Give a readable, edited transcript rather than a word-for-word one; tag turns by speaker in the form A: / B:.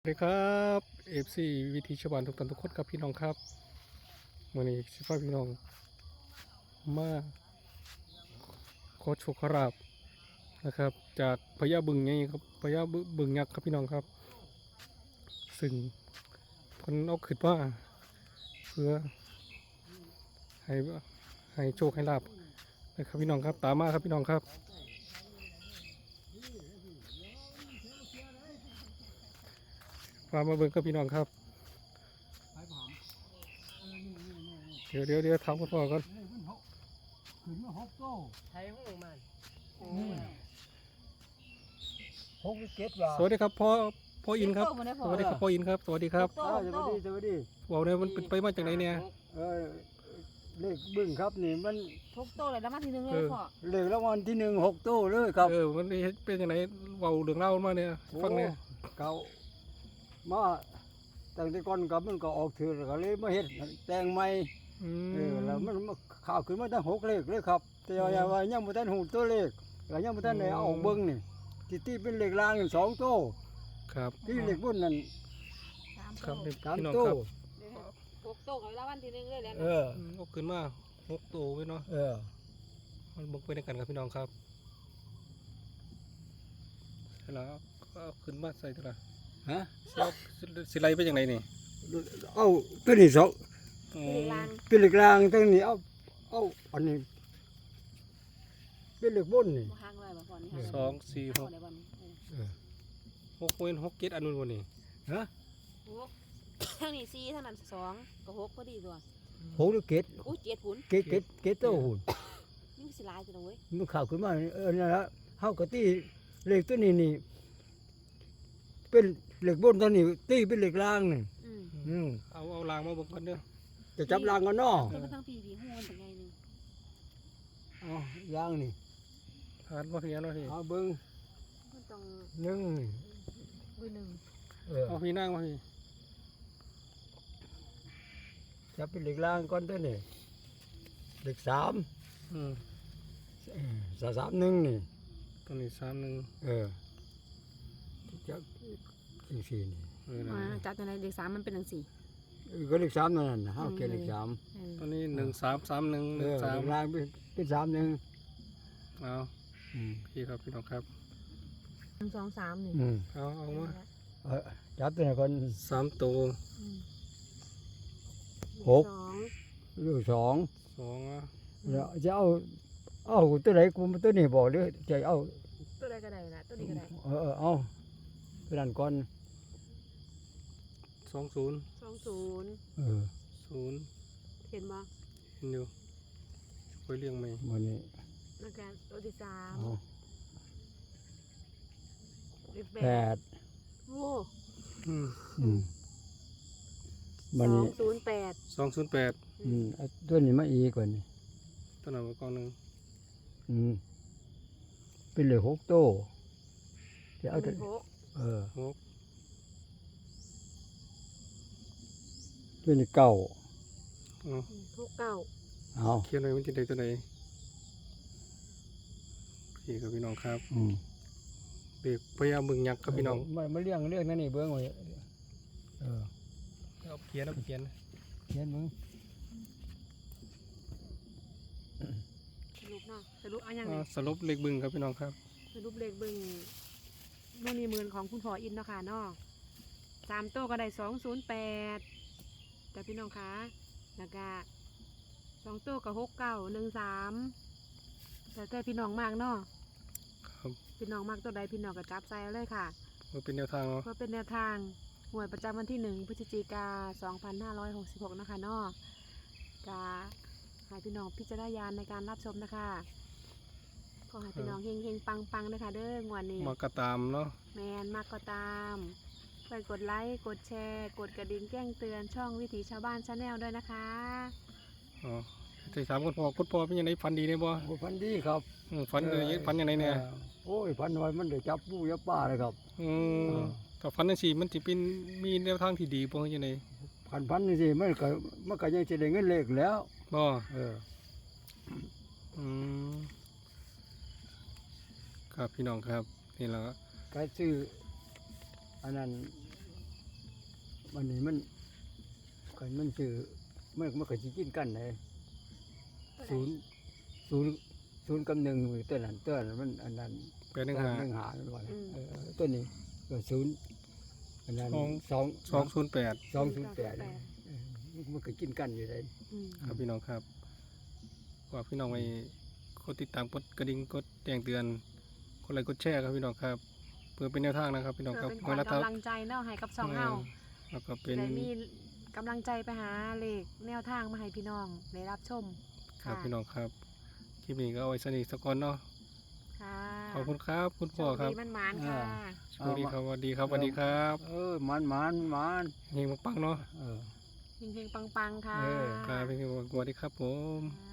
A: สวัสดีครับFC วิธีชาวบ้านทุกท่านทุกคนครับพี่น้องครับวันนี้สิพาพี่น้องมาขอโชคขอลาภนะครับจากพญาบึงไงครับพญาบึงยักษ์ครับพี่น้องครับซึ่งคนเอาขึ้นว่าเพื่อให้ให้โชคให้ลาภนะครับพี่น้องครับตามมาครับพี่น้องครับพามาเบิ่งครับพี่น้องครับเดี๋ยวทำกันพ่อก่อน
B: ขึ้นมาหกโต้
C: ไทยห้องมัน
B: หกเก็ดว่า
A: สวัสดีครับพ่ออินครับสวัสดีครับพ่ออินครับสวัสดีครับ
B: สวัสดี
A: บอกเลยมันเป็นไปมาจากไหนเนี่ย
B: เออเลขบึ้งครับนี่มัน
D: ทุกโตเลยแล้วมาทีนึงเลยพ่อ
B: เลขรางวัลที่หนึ่งหกโต้เลยครับ
A: มันเป็นยังไงเบาเรื่องเล่ามาเนี่ยฟังเนี่ย
B: เก่ามาตั้งแต่ก่อนกับมันก็ออกถือก็เลยมาเฮ็ดแต่งใหม่แล้วมันข่าวขึ้นมาตั้งหกเลขเลยครับแต่ว่ายังบ่ทันหูตัวเลขก็ยังบ่ทันได้เอาเบิ่งนี่ที่เป็นเลขล่างสองโต้
A: ครับ
B: ที่เลขบนนั่น
A: ครับ
B: สาม
A: พี่น้อง
B: โต้
A: ครับ
D: ทุกโตกับแล้ววันทีนึงเลยแล้ว
A: เอาขึ้นมา6 ตัวไว้เนาะมันบกไปในกันครับพี่น้องครับเสร็จแล้วก็เอาขึ้นมาใส่ตัวละ
B: ฮะ
A: สิไลไปจากไหนนี่
B: เอาตัวนี้สอง
D: ลาง
B: เป็นเหล็กรางตัวนี้เอาอันนี้เป็นเหล็กบนนี่
D: ห้างเลยบ่พ่อนี่
A: 2 4 6
D: ในวัน
A: 6เป็น6 7อันนู้นวันนี้
B: ฮะ
D: ทั้งนี้สี่ทั้งนั้นสองกับหกพอดีตัว
B: โหหรือเกต
D: อู้เจ็ดผุน
B: เกตโตหุ่น
D: นี่สิลายตัวเว้ย
B: มันข่าวขึ้นมานั่นละเฮากะตีเหล็กตัวนี้นี่เป็นเหล็กบนตัวนี้ตีเป็นเหล็กรางนี่
A: เอารางมาบอกกันเด้อ
B: จะจับรางกันเนาะ
D: ตัวมันทั้งปีหูมันเป็นไงนึง
B: เอารางนี่
A: ผ่านมาเพียนเนาะพี่
B: เอาเบิ่ง
D: มันต้อง
B: หนึ่ง
D: มือหนึ่ง
A: เอาพี่นั่งมาพี่
B: จับเป็นเหล็กรางก่อนตัวนี้เหล็กสาม สามหนึ่งนี่
A: ตัวนี้3 1
B: จับอีกสี่นี่
D: จับตัวไหนเด็กสามมันเป็นหนังสี่
B: ก็เลขสามนั่นน่ะเฮาเกเลขสาม
A: ตัวนี้1 3 3 1 1 3
B: รางเป็นสามหนึ่ง
A: เอาพี่ครับพี่น้องครับ
D: 1 2 3นี่
A: เอามา
B: จับตัวไหนคน
A: 3 ตัว
B: หกลูกสอง
A: 2อ่ะ
B: แล้วจะเอาตัวไหนกูตัวนี้บอกหรือจะเอา
D: ตัวใดก็ได้นะตัวนี้ก็ได้
B: เอาตัวนั้นก่อน
A: 20
D: 20
A: 0
D: เห็นบ่
A: เห็นอยู่ค่อยเลี้ยงไหม
B: วันนี้
D: แล้วก็ตัวที่สาม
B: เอา
D: เลข
B: แป
D: 8
B: ด
D: โอ้
B: วันนี้
D: 208
A: 208
B: เอาตัวนี้มาอีกก่อนนี่
A: ตัวนั้นมาก่อนหนึ่ง
B: เป็นเหลือหกโต้จะเอาตัว
D: 6
A: 6
B: ตัวนี้เก้า
D: 6 9
B: เอา
A: เขียนไว้มันจะได้ตัวไหนพี่กับพี่น้องครับเด็กพยายามมึงยักษ์ครับพี่น้อง
B: มาเลี้ยงนั่นนี่เบิ้งไว้
A: เอาเขียน
B: เขียนมึง
D: สรุปเนาะสรุปเอาอย่าง
A: สรุปเลขบึงครับพี่น้องครับ
D: สรุปเลขเบิ่งโน่นนี่หมื่นของคุณพ่ออินเนาะค่ะเนาะ3โต๊ะก็ได้208แต่พี่น้องคะแล้วก็2โต๊ะก็6913แต่พี่น้องมากเนาะ
A: ครับ
D: พี่น้องมากตัวใดพี่น้องก็จับใส่เอาเลยค่ะ
A: มันเป็นแนวทางเนาะ
D: เพื่อเป็นแนวทางหวยประจำวันที่1 พฤศจิกายน 2566นะคะเนาะกาให้พี่น้องพิจารณาญาณในการรับชมนะคะขอให้พี่น้องเฮงๆปังๆนะคะเด้องวดนี้
A: มากระตามเนาะ
D: แมนมากก็ตามไปกดไลค์กดแชร์กดกระดิ่งแจ้งเตือนช่องวิถีชาวบ้านชาแนลด้วยนะคะ
A: อ๋อที่ถามคุณพ่เป็นยังไงฟันดีเนี่ยบ่
B: โอ้พันดีครับ
A: ฟันยังไงเนี่ย
B: โอ้ยพันน้อยมันได้จับปูยับป้าเลยครับ
A: ถ้าฟันนั่นสิมันจะเป็นมีแนวทางที่ดีบ่ยังไง
B: พันนี่สิมันก็ยังจะได้เงินเลขแล้ว
A: บ่
B: Ừ.
A: ครับพี่น้องครับนี่แหละ
B: ก็ซื้ออันนั้นวันนี้มันกันมันซื้อมันก็สิกินกันเลย
D: ตัวใด
B: ศูนย์กับหนึ่งตัวนั้นมันอันนั้น
A: แปดหนึ่งห้า
B: หนึ่งหามันว่าตัวนี้ก็ศูนย์อันนั้นสอง
A: 208
B: 208มันก็กินกันอยู่เลย
D: อืม
A: ครับพี่น้องครับฝากพี่น้องไปกดติดตามกดกระดิ่งกดแจ้งเตือนกดไลค์กดแชร์ครับพี่น้องครับเพื่อเป็นแนวทางนะครับพี่น้อง
D: เพื่
A: ค
D: อ
A: รับ
D: เป็นขวัญกำลังใจเนาะให้กับสองเฮา
A: แล้วก็เป็น
D: ได้มีกำลังใจไปหาเลขแนวทางมาให้พี่น้องได้รับชม
A: ครับพี่น้องครับคลิปนี้ก็เอาไว้สนิทสักก่อนเนาะ
D: ค่ะ
A: ขอบคุณครับคุณพ่อครับ
D: โชดีมันหมานค่ะ
A: สวัสดีครับสวัสดีครับสวัสดีครับ
B: มัน
A: เฮงปังๆเนาะ
B: เออ
D: เฮงๆปังๆค่ะ
B: เออ
A: ครับพี่สวัสดีครับผม
D: ค่ะ